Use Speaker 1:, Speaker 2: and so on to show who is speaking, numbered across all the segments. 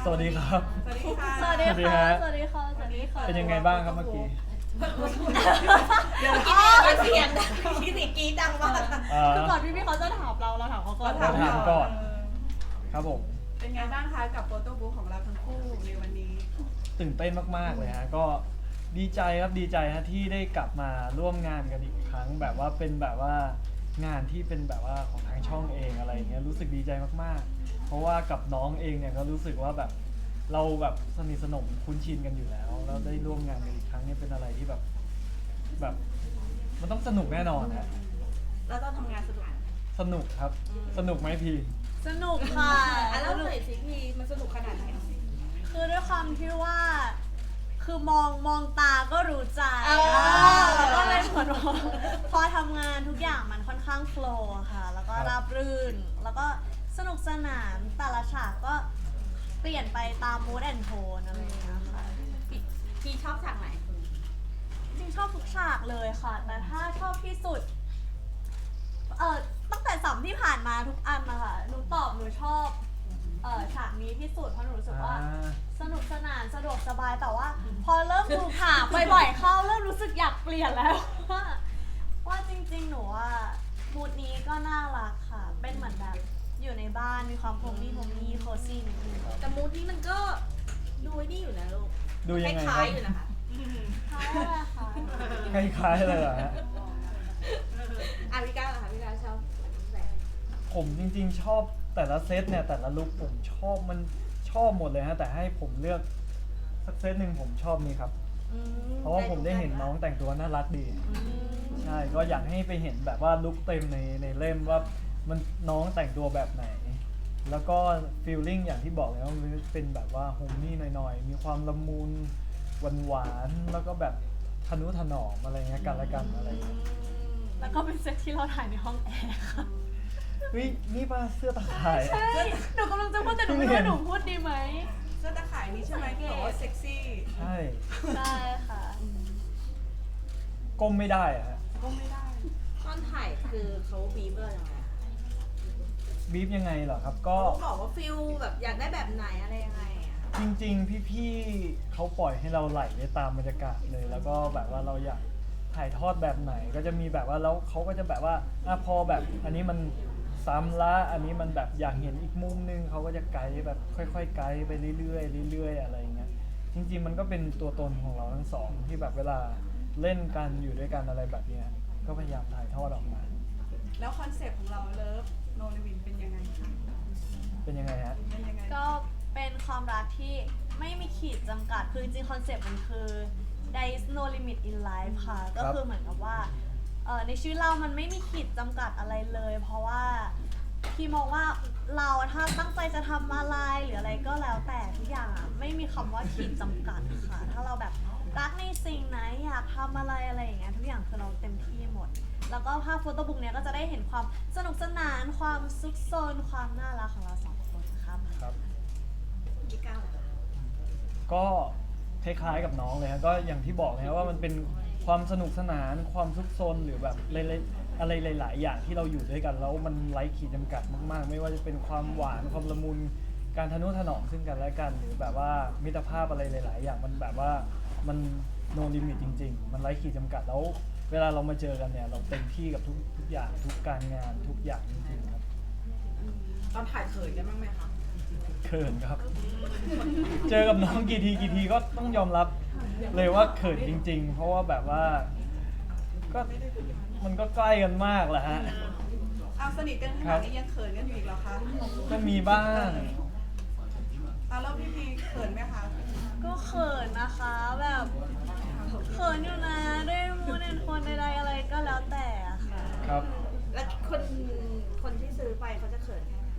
Speaker 1: สวัสดีครับ
Speaker 2: สวัสดีค่ะ
Speaker 3: สวัสดี
Speaker 1: สวัสดี
Speaker 3: ค่ะ
Speaker 1: ฮะ
Speaker 3: สวัสดีค่ะ สวัสดีค่ะ
Speaker 1: เป็นยังไงบ้างครับเมื่อกี้
Speaker 2: เดี๋ยว
Speaker 4: อ๋อเสียงดังที่สิกรีดดังมาก
Speaker 3: คือก่อนพี่เขาจะถามเราถามเขาก่อน
Speaker 1: ถามก่อน ครับผม
Speaker 2: เป็นไงบ้างคะกับโฟโต้บุ๊กของเราทั้งคู่ในวันนี้
Speaker 1: ตื่นเต้นมากๆเลยฮะก็ดีใจครับดีใจฮะที่ได้กลับมาร่วมงานกันอีกครั้งแบบว่าเป็นแบบว่างานที่เป็นแบบว่าของทางช่องเองอะไรอย่างเงี้ยรู้สึกดีใจมากๆ เพราะว่ากับน้องเองเนี่ยก็รู้สึกว่าแบบเราแบบสนิทสนมคุ้นชินกันอยู่แล้วแล้วได้ร่วมงานกันอีกครั้งเนี่ยเป็นอะไรที่แบบมันต้องสนุกแน่นอนฮะ
Speaker 4: แล้วตอนทำงานสนุกไหม
Speaker 1: สนุกครับสนุกไหมพี่
Speaker 3: สนุกค่ะ
Speaker 4: อ่ะแล้วหน่อยสิพี่มันสนุกขนาดไหน
Speaker 3: คือด้วยความที่ว่า คือมองตาก็รู้ใจแล้วก็เลยเหมือนว่าพอทำงานทุกอย่างมันค่อนข้างโฟลว์ค่ะ แล้วก็ราบรื่น แล้วก็สนุกสนานแต่ละฉากก็เปลี่ยนไปตาม mood and tone อะไรอย่างเงี้ยค่ะ
Speaker 4: พี่ชอบฉากไหน
Speaker 3: จริงชอบทุกฉากเลยค่ะ แต่ถ้าชอบที่สุด ตั้งแต่สัมที่ผ่านมาทุกอันนะคะหนูตอบหนูชอบฉากนี้ที่สุดเพราะหนูรู้สึกว่า สนุกสนานสะดวกสบายแต่ว่า พอเริ่มดูข่าวบ่อยๆเข้าเริ่มรู้สึกอยากเปลี่ยนแล้ว ว่าจริงๆหนูว่ามูดนี้ก็น่ารักค่ะ เป็นเหมือนแบบอยู่ในบ้านมีความโฮมมี่โคซี่นิดนึง
Speaker 4: แต่มูดนี้มันก็ดูนี่อยู่นะลูก
Speaker 1: ดูยังไง
Speaker 4: ค
Speaker 1: ค
Speaker 4: ล้า
Speaker 1: รั
Speaker 4: ยๆอยู่นะคะ
Speaker 3: ใช่ค่ะ
Speaker 1: คล้ายๆเลยเหรอฮะ
Speaker 4: อ่ะพี่ก้าวเหรอคะพี่ก้าวชอบแบบ
Speaker 1: ผมจริงๆชอบแต่ละเซตเนี่ยแต่ละลุคผมชอบมันชอบหมดเลยฮะแต่ให้ผมเลือกสักเซตหนึ่งผมชอบนี้ครับ เพราะว่าผมได้เห็นน้องแต่งตัวน่ารักดี ใช่ก็อยากให้ไปเห็นแบบว่าลุคเต็มในเล่มว่ามันน้องแต่งตัวแบบไหน แล้วก็ฟีลลิ่งอย่างที่บอกเลยว่ามันเป็นแบบว่าโฮมมี่หน่อยๆมีความละมุนหวานๆแล้วก็แบบทนุถนอมอะไรเงี้ยกันและกันอะไรเงี้ย
Speaker 3: แล้วก็เป็นเซตที่เราถ่ายในห้องแอร์ค่ะ
Speaker 1: เฮ้ยนี่ป่ะเสื้อตะข่าย
Speaker 3: ใช่หนูกำลังจะพูดแต่หนูไม่รู้ว่าหนูพูดดีไหม
Speaker 2: เสื้อตะข่ายนี้ใช่ไหมที่บอกว่าเซ็กซี่
Speaker 1: ใช่
Speaker 3: ใช่ค่ะ
Speaker 1: ก้มไม่ได้อะฮะ
Speaker 2: ก็ไม่ได้
Speaker 4: ตอนถ่ายคือเขาบีบยังไง
Speaker 1: บีฟยังไงเหรอครับก็
Speaker 4: เขาบอกว่าฟิลแบบอยากได้แบบไหนอะไรยังไงอะ
Speaker 1: จริงๆ พี่ๆเขาปล่อยให้เราไหลไปตามบรรยากาศเลย แล้วก็แบบว่าเราอยากถ่ายทอดแบบไหน ก็จะมีแบบว่าแล้วเขาก็จะแบบว่าพอแบบอันนี้มันซ้ำละอันนี้มันแบบอยากเห็นอีกมุมนึงเขาก็จะไกด์แบบค่อยๆไกด์ไปเรื่อยๆเรื่อยๆอะไรอย่างเงี้ยจริงๆมันก็เป็นตัวตนของเราทั้งสองที่แบบเวลาเล่นกันอยู่ด้วยกันอะไรแบบเนี้ยก็พยายามถ่ายทอดออกมา
Speaker 2: แล้วคอนเซปต์ของเราเลิฟโนลิวินเป็นยังไงคะ
Speaker 1: เป็นยังไงฮะ
Speaker 2: เป็นยังไง
Speaker 3: ก็เป็นความรักที่ไม่มีขีดจำกัด คือจริงๆคอนเซปต์มันคือ there is no limit in life ค่ะ ก็คือเหมือนกับว่าในชีวิตเรามันไม่มีขีดจำกัดอะไรเลย เพราะว่าพี่มองว่าเราถ้าตั้งใจจะทำอะไรหรืออะไรก็แล้วแต่ทุกอย่างอะไม่มีคำว่าขีดจำกัดค่ะ ถ้าเราแบบรักในสิ่งไหนอยากทำอะไรอย่างเงี้ยทุกอย่างคือเราเต็มที่หมด แล้วก็ภาพโฟโต้บุ๊กเนี้ยก็จะได้เห็นความสนุกสนานความซุกซนความน่ารักของเราสองคนครับ
Speaker 1: ครับ
Speaker 4: พี่ก้าวเหรอคะ
Speaker 1: ก็คล้ายๆกับน้องเลยครับก็อย่างที่บอกเลยครับว่ามันเป็นความสนุกสนานความซุกซนหรือแบบอะไรหลายๆอย่างที่เราอยู่ด้วยกันแล้วมันไร้ขีดจำกัดมากๆ ไม่ว่าจะเป็นความหวานความละมุนการทนุถนอมซึ่งกันและกันหรือแบบว่ามิตรภาพอะไรหลาย ๆ อย่างมันแบบว่ามันโนลิมิตจริง ๆ มันไร้ขีดจำกัดแล้วเวลาเรามาเจอกันเนี่ยเราเต็มที่กับทุกอย่างทุกการงานทุกอย่างจริงๆครับ
Speaker 2: ตอนถ่ายเขินกันบ้างไหมคะ
Speaker 1: เขินครับ เจอกับน้องกี่ทีก็ต้องยอมรับเลยว่าเขินจริง ๆ เพราะว่าแบบว่าก็มันก็ใกล้กันมากแหละฮะ
Speaker 2: เอาสนิทกันขนาดนี้ยังเขินกันอยู่อีกเหรอคะ
Speaker 1: ก็มีบ้าง
Speaker 2: เอาแล้วพี่พีเขินไหมคะ
Speaker 3: ก็เขินนะคะแบบเขินอยู่นะด้วยมูนแอนโทนใดๆอะไรก็แล้วแต่อะค่ะ
Speaker 1: ครับ
Speaker 4: แล้วคนที่ซื้อไปเขาจะเขินแค่ไหน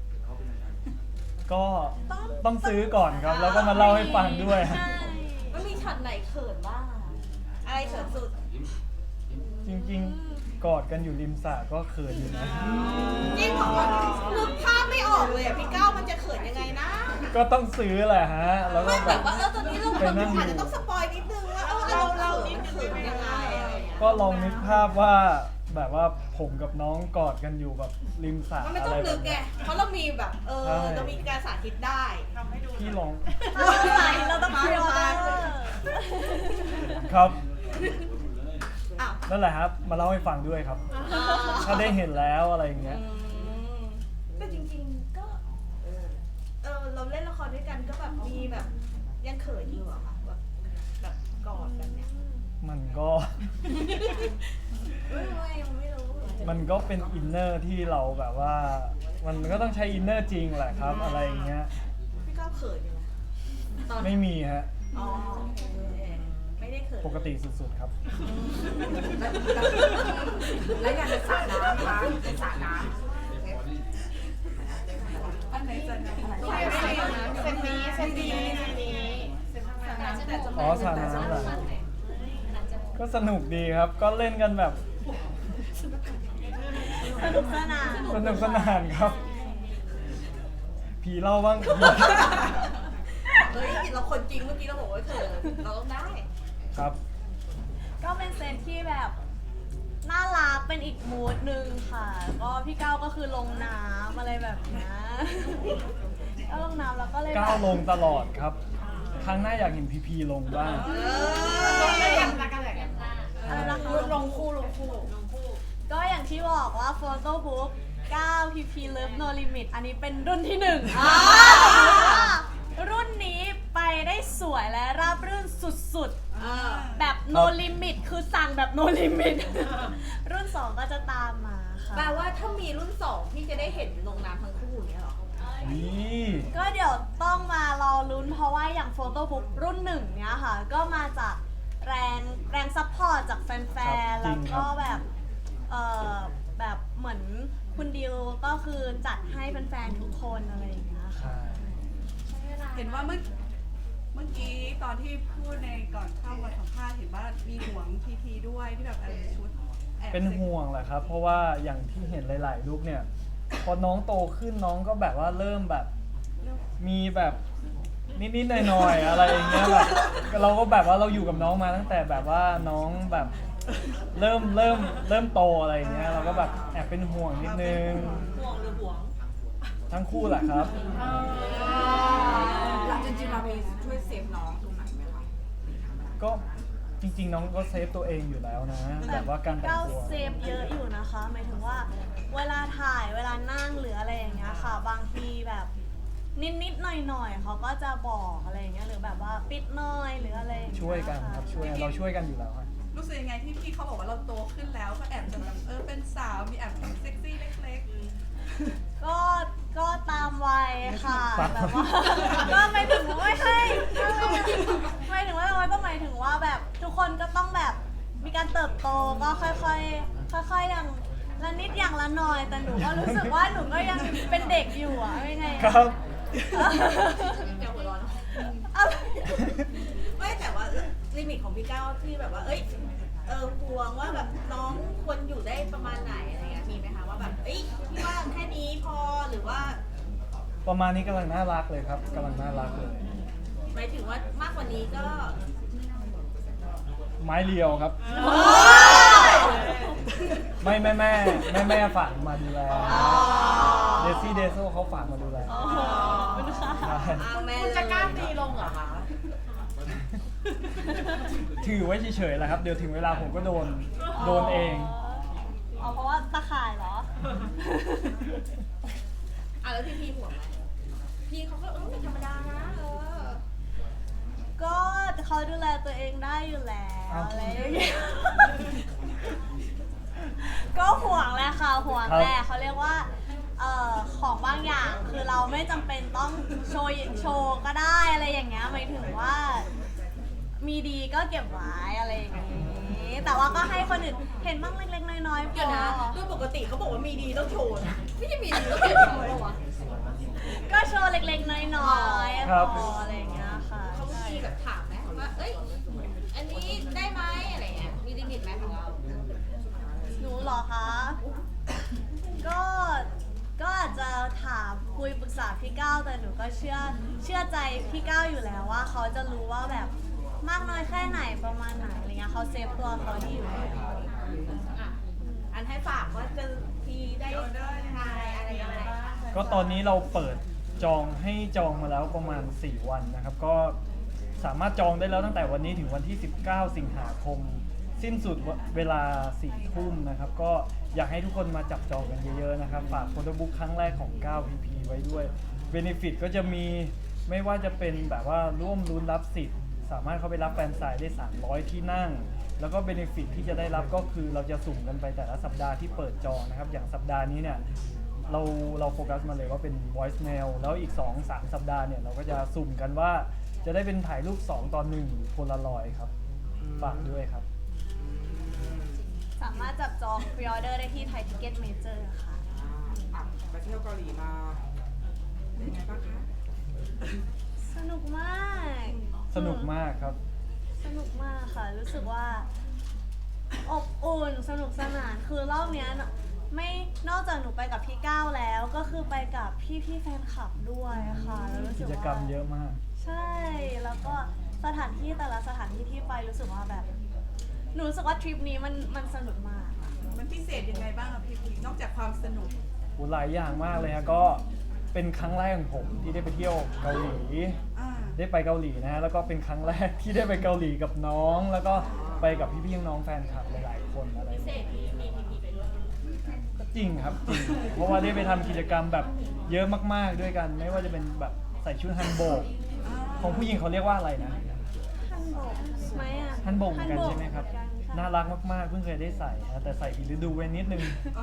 Speaker 1: ก็ต้องซื้อก่อนครับ แล้วก็มาเล่าให้ฟังด้วย
Speaker 3: ใช่
Speaker 4: มันมีช็อตไหนเขินบ้างอะอะไรเขินสุด
Speaker 1: จริงๆกอดกันอยู่ริมสระก็เขินอยู่นะ
Speaker 4: จริงเหรอนึกภาพไม่ออกเลยอะพี่ก้าวมันจะเขินยังไงนะ
Speaker 1: ก็ต้องซื้อแหละฮะ แล้วก็
Speaker 4: ไม่
Speaker 1: แบ
Speaker 4: แบบ บว่าตอนนี้เรา
Speaker 1: ไปนั่ง
Speaker 4: อาจจะต้องสปอยนิดนึงว่าเรานิดนึงเป็นยังไงอะไรอย่างเงี้ย
Speaker 1: ก็ลองนึกภาพว่าแบบว่าพผมกับน้องกอดกันอยู่แบบริมสระ
Speaker 4: มันไม่
Speaker 1: อะ
Speaker 4: ต้อ
Speaker 1: ไรง แบ
Speaker 4: ลึ
Speaker 1: บ
Speaker 4: กไง
Speaker 1: เนี้ย
Speaker 4: เพราะเรามีแบบ
Speaker 1: ใช่
Speaker 4: เรามีการสาธิตได้
Speaker 1: พี่ลอง
Speaker 3: ถ้าเราใส่เราต้องพิออเดอร์
Speaker 1: ครับ
Speaker 4: อ้าว
Speaker 1: นั่นแหละครับ มาเล่าให้ฟังด้วยครับ ถ้าได้เห็นแล้วอะไรอย่างเงี้ย
Speaker 4: แต่จริงๆก็ เราเล่นละครด้วยกันก็แบบมีแบบยังเขินอยู่เหรอคะแบบกอดกันเนี่ย
Speaker 1: มันก็
Speaker 4: ไม่รู้
Speaker 1: มันก็เป็นอินเนอร์ที่เราแบบว่า มันก็ต้องใช้อินเนอร์จริงแหละครับ อะไรอย่างเงี้ย
Speaker 4: พี่ก้าวเขินอยู่นะตอน
Speaker 1: ไม่มีฮะ
Speaker 4: อ๋อโอเคไม่ได้เขิน
Speaker 1: ปกติสุดๆครับ
Speaker 5: แล้วอย่างสระน้ำคะเป็นสระน้
Speaker 2: อันไหนจะนะเซนนี้
Speaker 1: อ๋อสระน้ำเหรอก็สนุกดีครับ ก็เล่นกันแบบ
Speaker 3: สนุกสนาน
Speaker 1: สนุกสนานครับ ผีเล่าบ้าง
Speaker 4: เฮ้ยเราคนจริงเมื่อกี้เราบอกว่าเขินเราต้องได้
Speaker 1: ครับ
Speaker 3: ก็เป็นเซตที่แบบน่ารักเป็นอีกมูดหนึ่งค่ะ ก็พี่ก้าวก็คือลงน้ำอะไรแบบเนี้ยก็ลงน้ำแล้วก็เลย
Speaker 1: ก้าว
Speaker 3: แบบ
Speaker 1: ลงตลอดครับ ครั้งหน้าอยากเห็นพีพีลงบ้าง
Speaker 3: อะไรนะคะลงคู่ก็อย่างที่บอกว่าโฟโต้บุ๊ก9 PP Love No Limit อันนี้เป็นรุ่นที่1รุ่นนี้ไปได้สวยและราบรื่นสุดๆ แบบ no limit คือสั่งแบบ no limit รุ่น 2 ก็จะตามมาค่ะ
Speaker 4: แปลว่าถ้ามีรุ่น2พี่จะได้เห็นลงน้ำทั้งคู่อย่างเนี้ยเหรอ
Speaker 1: นี่
Speaker 3: ก็เดี๋ยวต้องมารอลุ้นเพราะว่าอย่างโฟโต้บุ๊กรุ่น 1 เนี้ยค่ะ ก็มาจากแรงซัพพอร์ตจากแฟนๆ แล้วก็แบบแบบเหมือนคุณดิวก็คือจัดให้แฟนๆ ทุกคนอะไรอย่างเงี้ยค่ะ
Speaker 1: ใช่
Speaker 2: เห็นว่าเมื่อกี้ตอนที่พูดในก่อนเข้ามาสัมภาษณ์เห็นว่ามีห่วงพีพีด้วยที่แบบชุดแอบ
Speaker 1: เป็นห่วงแหละครับ เพราะว่าอย่างที่เห็นหลายๆรูปเนี่ย พอน้องโตขึ้นน้องก็แบบว่าเริ่มแบบ มีแบบนิดๆหน่อยๆอะไรอย่างเงี้ยแบบเราก็แบบว่าเราอยู่กับน้องมาตั้งแต่แบบว่าน้องแบบเริ่มโตอะไรอย่างเงี้ยเราก็แบบแอบเป็นห่วงนิดนึง
Speaker 4: ห่วงหรือห่วง
Speaker 1: ทั้งคู่แหละครับ
Speaker 5: ำเราจริงๆเรามีช่วยเซฟน้องตรงไหนไหมคะ
Speaker 1: ก็จริงๆน้องก็เซฟตัวเองอยู่แล้วนะแบบว่าการแต่ง
Speaker 3: ก้าว
Speaker 1: ตัว
Speaker 3: เซฟเยอะอยู่นะคะหมายถึงว่าเวลาถ่ายเวลานั่งหรืออะไรอย่างเงี้ยค่ะ บางทีแบบนิดๆหน่อยๆเขาก็จะบอกอะไรอย่างเงี้ยหรือแบบว่าปิดหน่อยหรืออะไรอย่างเงี้
Speaker 1: ช่วยกันครับเราช่วยกันอยู่แล้วครับ
Speaker 2: รู้สึกยังไงที่พี่เขาบอกว่าเราโตขึ้นแล้วก็แอบจะแบบเป็นสาวมีแอบเซ็กซี่เล็ก
Speaker 3: ก็ตามวัยค่ะ
Speaker 1: ตาม
Speaker 3: แบบว่าก็หมายถึงว่าไม่ใช่หมายถึงว่าเราก็หมายถึงว่าแบบทุกคนก็ต้องแบบมีการเติบโตก็ค่อยๆอย่างละนิดอย่างละหน่อย แต่หนูก็รู้สึกว่าหนูก็ยังเป็นเด็กอยู่อะไม่ไง
Speaker 1: ครับ
Speaker 4: เดี๋ยวหัวร้อน
Speaker 3: อะไร
Speaker 4: ไม่แต่ว่าลิมิตของพี่ก้าวที่แบบว่า ห่วงว่าแบบน้องควรอยู่ได้ประมาณไหนอะไรเงี้ยมีไหมคะว่าแบบพี่ว่าแค่นี้พอหรือว่า
Speaker 1: ประมาณนี้กำลังน่ารักเลยครับกำลังน่ารักเลย
Speaker 4: หมายถึงว่ามากกว่านี้ก็
Speaker 1: ไม้เรียวครับ ไม่แม่ฝากมาดูแลเดซี่เดโซเขาฝากมาดูแล
Speaker 3: โอ้โหขอบคุณค่ะ
Speaker 1: ใช่
Speaker 4: แม่
Speaker 5: คุณจะกล้าตีลงเหรอคะ
Speaker 1: ถือไว้เฉยๆแหละครับ เดี๋ยวถึงเวลาผมก็โดนเอง
Speaker 3: อ๋อเพราะว่าตะข่ายเหรอ
Speaker 4: แล้วพี่ห่วงไหมพี่เขาก็เป็นธรรมดานะ
Speaker 3: ก็เขาดูแลตัวเองได้อยู่แล้ว
Speaker 1: อ้าว
Speaker 3: อะไรอย่างเงี้ย ก็ห่วงแหละค่ะห่วงแหละเขาเรียกว่าของบางอย่างคือเราไม่จำเป็นต้องโชว์ก็ได้อะไรอย่างเงี้ยหมายถึงว่า มีดีก็เก็บไว้อะไรอย่างงี้ แต่ว่าก็ให้คนอื่นเห็นบ้างเล็กๆน้อยๆพ
Speaker 4: เดี๋ยว
Speaker 3: อ
Speaker 4: นะโดยปกติเขาบอกว่ามีดีต้องโชว์นะไม่ใช่มีดีต้องเก็บโชว์หรอวะ
Speaker 3: ก็โชว์เล็กๆน้อยๆ
Speaker 1: ครับ
Speaker 3: พออะไรอย่างเงี้ยค่ะ
Speaker 4: เขามีแบบถามไหมว่าอันนี้ได้ไหมอะไรเงี้ยมีลิมิตไหมของเรา
Speaker 3: หนูเหรอคะ ก็อาจจะถามคุยปรึกษาพี่ก้าวแต่หนูก็เชื่อใจพี่ก้าวอยู่แล้วว่าเขาจะรู้ว่าแบบมากน้อยแค่ไหนประมาณไหนอะไรเงี้ยเขาเซฟตัวเขาดีอยู่แล้ว
Speaker 4: ออันให้ฝากว่าจะทีได้ทายอะไรยังไง
Speaker 1: ก็ตอนนี้เราเปิดจองให้จองมาแล้วประมาณ 4 วันนะครับ ก็สามารถจองได้แล้วตั้งแต่วันนี้ถึงวันที่ 19 สิงหาคม สิ้นสุดเวลา 4 ทุ่มนะครับ ก็อยากให้ทุกคนมาจับจองกันเยอะๆนะครับ ฝากโฟโต้บุ๊กครั้งแรกของ 9PP ไว้ด้วย Benefit ก็จะมีไม่ว่าจะเป็นแบบว่าร่วมลุ้นรับสิทธิ์ สามารถเข้าไปรับแฟนสายได้ 300 ที่นั่ง แล้วก็ Benefit ที่จะได้รับก็คือเราจะสุ่มกันไปแต่ละสัปดาห์ที่เปิดจองนะครับ อย่างสัปดาห์นี้เนี่ยเราโฟกัสมาเลยว่าเป็น voice mail แล้วอีก 2-3 สัปดาห์เนี่ยเราก็จะสุ่มกันว่าจะได้เป็นถ่ายรูป 2:1 โพลารอยด์ครับ ฝากด้วยครับ
Speaker 3: สามารถจับจองพรีออเดอร์ได้ที่ไทยทิเก็ตเมเจอร์ค่ะ
Speaker 5: ไปเที่ยวเกาหลีมาเป็นไงบ้างคะ
Speaker 3: สนุกมาก
Speaker 1: สนุกมากครับ
Speaker 3: สนุกมากค่ะ รู้สึกว่าอบอุ่นสนุกสนานคือรอบเนี้ยไม่นอกจากหนูไปกับพี่ก้าวแล้ว ก็คือไปกับพี่แฟนคลับด้วยค่ะแล้วรู้สึ
Speaker 1: กิ
Speaker 3: ก
Speaker 1: จ
Speaker 3: ว่าก
Speaker 1: รรมเยอะมาก
Speaker 3: ใช่แล้วก็สถานที่แต่ละสถานที่ที่ไปรู้สึกว่าแบบ หนูรู้สึกว่าทริปนี้มันสนุกมาก
Speaker 2: มันพิเศษยังไงบ้างอะพี่นอกจากความสนุก
Speaker 1: หลายอย่างมากเลยฮะก็เป็นครั้งแรกของผมที่ได้ไปเที่ยวเกาหลี ได้ไปเกาหลีนะฮะแล้วก็เป็นครั้งแรกที่ได้ไปเกาหลีกับน้อง แล้วก็ไปกับพี่ๆน้องๆแฟนคลับหลายๆคนอะไรอย่างเงี้ยก็จริงครับจริงเพราะว่าได้ไปทำกิจกรรมแบบเยอะมากๆด้วยกัน ไม่ว่าจะเป็นแบบใส่ชุดฮันโบกของผู้หญิงเขาเรียกว่าอะไรนะ
Speaker 3: ฮันโบกไหมอ่ะ
Speaker 1: ฮันโบกเหมือนกันใช่ไหมครับ
Speaker 3: เหมือนกันค่ะ
Speaker 1: น่ารักมากๆเพิ่งเคยได้ใส่นะแต่ใส่ผิดฤดูไว้นิดนึง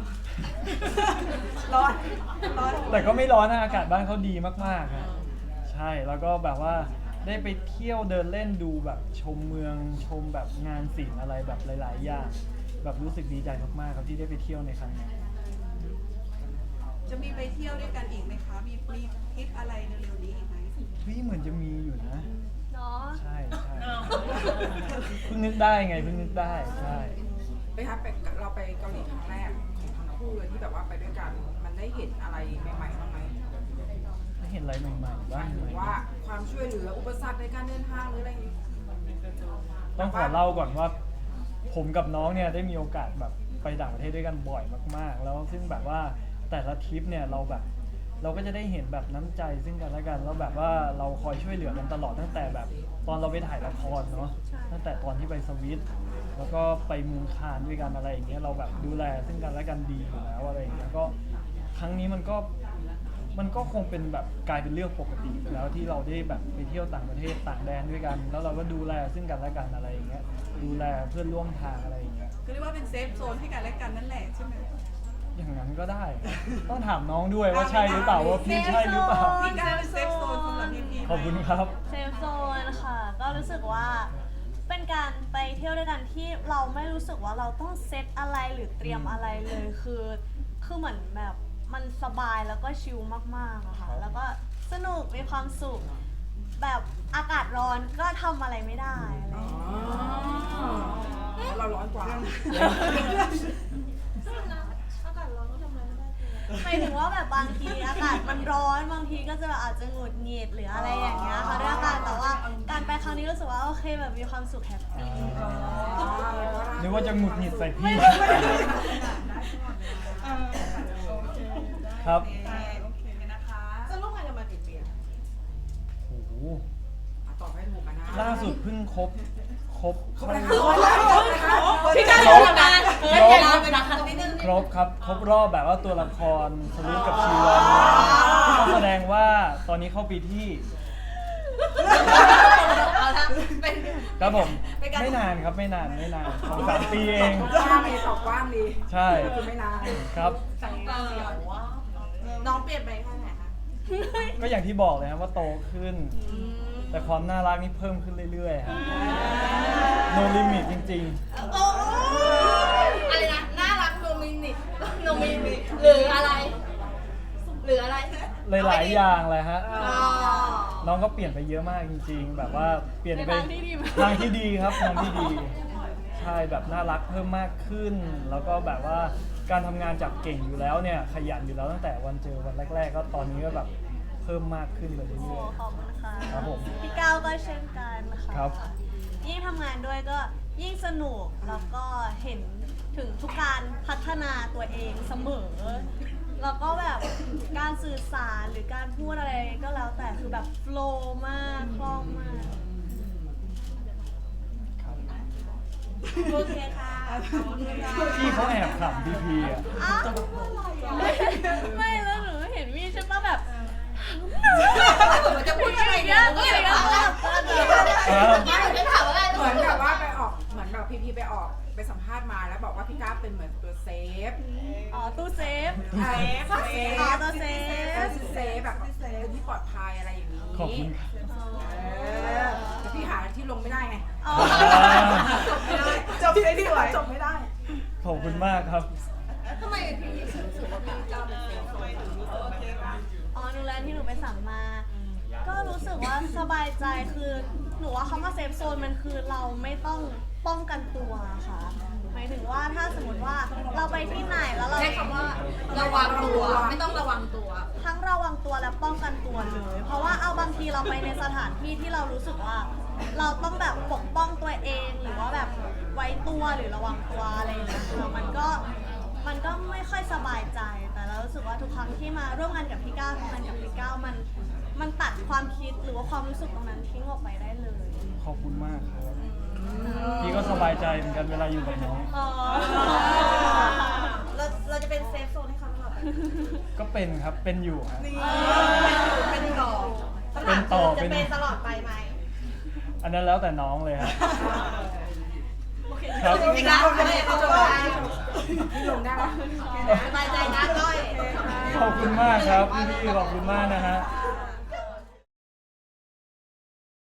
Speaker 2: ร้อน ร้อน
Speaker 1: แต่ก็ไม่ร้อนนะอากาศบ้านเขาดีมากๆครับใช่แล้วก็แบบว่าได้ไปเที่ยวเดินเล่นดูแบบชมเมืองชมแบบงานศิลป์อะไรแบบหลายๆอย่างแบบรู้สึกดีใจมากๆครับที่ได้ไปเที่ยวในครั้งนี้
Speaker 2: จะมีไปเที่ยวด้วยกันอีกไหมคะ มีทริปอะไรเร็วๆนี้อีกไหม
Speaker 1: พี่เหมือนจะมีอยู่นะ
Speaker 3: เนาะ
Speaker 1: ใช่ใช่เพิ่งนึกได้ไงเพิ่งนึกได้ใช่
Speaker 5: ไปครับเราไปเกาหลีครั้งแรกของทั้งคู่เลยที่แบบว่าไปด้วยกัน มันได้เห็นอะไรใหม่ๆบ้างไหม
Speaker 1: ได้เห็นอะไรใหม่ๆ
Speaker 5: ห
Speaker 1: บ้าม
Speaker 5: าง ย
Speaker 1: ไห
Speaker 5: ถึ
Speaker 1: ม
Speaker 5: งว่าความช่วยเหลืออุปสรรคในการเดินทางหรืออะไรอย่างนี้
Speaker 1: ต้องขอเล่าก่อนว่า ผมกับน้องเนี่ยได้มีโอกาสแบบไปต่างประเทศด้วยกันบ่อยมากๆ แล้วซึ่งแบบว่าแต่ละทริปเนี่ยเราแบบเราก็จะได้เห็นแบบน้ำใจซึ่งกันและกันแล้วแบบว่าเราคอยช่วยเหลือกันตลอดตั้งแต่แบบตอนเราไปถ่ายละครเนาะตั้งแต่ตอนที่ไปสวิตแล้วก็ไปเมืองคานด้วยกันอะไรอย่างเงี้ยเราแบบดูแลซึ่งกันและกันดีอยู่แล้วอะไรอย่างเงี้ยก็ครั้งนี้มันก็คงเป็นแบบกลายเป็นเรื่องปกติไปแล้วที่เราได้แบบไปเที่ยวต่างประเทศต่างแดนด้วยกัน แล้วเราก็ดูแลซึ่งกันและกันอะไรอย่างเงี้ยดูแลเพื่อนร่วมทางอะไรอย่างเงี้ย
Speaker 2: ก็เรียกว่าเป็นเซฟโซนให้กันและกันนั่นแหละใช่ไหม
Speaker 1: อย่างนั้นก็ได้ ต้องถามน้องด้วยว่าใช่หรือเปล่าว่าพี่ใช่หรือเปล่า
Speaker 2: พี่ก้าวเป็นเซฟโซนสำหรับพี่ๆ
Speaker 1: ขอบคุณครับ
Speaker 3: เซฟโซนค่ะ ก็รู้สึกว่าเป็นการไปเที่ยวด้วยกันที่เราไม่รู้สึกว่าเราต้องเซตอะไรหรือเตรียมอะไรเลยคือเหมือนแบบมันสบายแล้วก็ชิลมากๆอะค่ะ แล้วก็สนุกมีความสุขแบบอากาศร้อนก็ทำอะไรไม่ได้อะไรอย่างเงี้ย
Speaker 5: เราร้อนกว่า
Speaker 3: หมายถึงว่าแบบบางทีอากาศมันร้อนบางทีก็จะแบบอาจจะหงุดหงิดหรืออะไรอย่างเงี้ยค่ะด้วยอากาศแต่ว่าการไปครั้งนี้รู้สึกว่าโอเคแบบมีความสุขแฮปปี้
Speaker 1: นึกว่าจะหงุดหงิดใส่พี่ ครับ
Speaker 2: โอเคนะคะ
Speaker 4: จะร่วมงานกันมากี่ปีอะ
Speaker 1: โอ้โห
Speaker 5: ตอบให้ถูกกันนะ
Speaker 1: ล่าสุดเพิ่งครบ
Speaker 4: พี่ก้าวทำงานไปนะคะนิดนึง
Speaker 1: ครบครับ ครบรอบแบบว่าตัวละครสลุดกับชีวันก็แสดงว่าตอนนี้เข้าปีที่
Speaker 4: เอาละเป็น
Speaker 1: ครับผม
Speaker 4: เป็นการ
Speaker 1: ไม่นานครับไม่นาน2-3 ปีเอง
Speaker 5: กว้างดีตอบกว้างดี
Speaker 1: ใช่
Speaker 5: คือไม่นาน
Speaker 1: ครับ
Speaker 4: น้องเปลี่ยนไปแค่ไหนคะ
Speaker 1: ก็อย่างที่บอกเลยครับว่าโตขึ้น แต่ความน่ารักนี่เพิ่มขึ้นเรื่อยๆครับ no limit จริง
Speaker 4: โอ้อะไรนะน่ารักโนมินิโนมินิหรืออะไร หรืออะไร
Speaker 1: ๆ หลายๆอย่างเลยฮะ
Speaker 4: อ๋อ
Speaker 1: น้องก็เปลี่ยนไปเยอะมากจริง ๆ แบบว่าเปลี่ยนไป
Speaker 3: ในทางที่ดีไหม
Speaker 1: ทางที่ดีครับทางที่ดี ใช่แบบน่ารักเพิ่มมากขึ้น แล้วก็แบบว่าการทำงานจากเก่งอยู่แล้วเนี่ยขยันอยู่แล้วตั้งแต่วันเจอวันแรก ๆ ก็ตอนนี้ก็แบบเพิ่มมากขึ้นไปเรื่
Speaker 3: โอ้
Speaker 1: อย
Speaker 3: ขอบคุณค่ะ
Speaker 1: ครับผม
Speaker 3: พี่ก้าวก็เช่นกันค่ะ
Speaker 1: ครับ
Speaker 3: ยิ่งทำงานด้วยก็ยิ่งสนุกแล้วก็เห็นถึงทุกการพัฒนาตัวเองเสมอ แล้วก็แบบการสื่อสารหรือการพูดอะไรก็แล้วแต่คือแบบโฟลว์มากคล่องมาก
Speaker 1: ครับ
Speaker 4: โอเคค่ะ
Speaker 1: พี่เขาแอบขำพี่พีอ่ะ
Speaker 3: อ้าวไม่แล้วหนูเห็นมีใช่ปะแบบ
Speaker 4: มันจะพูดอะไรเนี่ย
Speaker 3: ก็เลยก็แบบ
Speaker 4: ไม่หนูจะถามอะไร
Speaker 5: เหมือนแบบว่าไปออกเหมือนแบบพีไปออกไปสัมภาษณ์มาแล้วบอกว่าพี่ก้าวเป็นเหมือนตัวเซฟ
Speaker 3: อ๋อตู้เซฟ
Speaker 5: เซฟ
Speaker 3: อ๋อตัวเซฟ
Speaker 5: เซฟแบบเป็นที่ปลอดภัยอะไรอย่างนี้
Speaker 1: ขอบคุณครับ
Speaker 5: แต่พี่หาที่ลงไม่ได้ไง
Speaker 3: อ๋อ
Speaker 5: จบไม่ได้จบไม่ได้
Speaker 1: ขอบคุณมากครับ
Speaker 4: ทำไมพี่รู้สึกว่าพี่ก้าวเป็นเซฟ
Speaker 3: อ๋อหนูแลนที่หนูไปสั่งมา ก็รู้สึกว่าสบายใจคือหนูว่าคำว่าเซฟโซนมันคือเราไม่ต้องป้องกันตัวค่ะหมายถึงว่าถ้าสมมติว่าเราไปที่ไหนแล้วเรา
Speaker 4: ใช้คำว่าระวังตัวไม่ต้องระวังตัว
Speaker 3: ทั้งระวังตัวและป้องกันตัวเลย เพราะว่าเอาบางทีเราไปในสถานที่ที่เรารู้สึกว่า เราต้องแบบปกป้องตัวเองหรือว่าแบบไว้ตัวหรือระวังตัวอะไรอย่างเงี้ยค่ะมันก็ไม่ค่อยสบายใจ แต่เรารู้สึกว่าทุกครั้งที่มาร่วมงานกับพี่ก้าวทำงานกับพี่ก้าวมันตัดความคิดหรือว่าความรู้สึกตรงนั้นทิ้งออกไปได้เลย
Speaker 1: ขอบคุณมากครับ พี่ก็สบายใจเหมือนกันเวลาอยู่กับน้อง
Speaker 3: อ๋อ
Speaker 4: เราจะเป็นเซฟโซนให้เขาตลอดไป
Speaker 1: ก็เป็นครับ เป็นอยู่ครับ
Speaker 4: เป็นต่อ
Speaker 1: เป็นต่อ
Speaker 4: จะ
Speaker 1: เป็น
Speaker 4: เป็นตลอดไปไหม
Speaker 1: อันนั้นแล้วแต่น้องเลยครับ ครับ
Speaker 4: จริงๆนะไม่เขาจะได้
Speaker 5: ที่ลงได้ปะ
Speaker 4: สบายใจนะก้อย
Speaker 1: ขอบคุณมากครับพี่ๆขอบคุณมากนะฮะ
Speaker 4: ค่ะ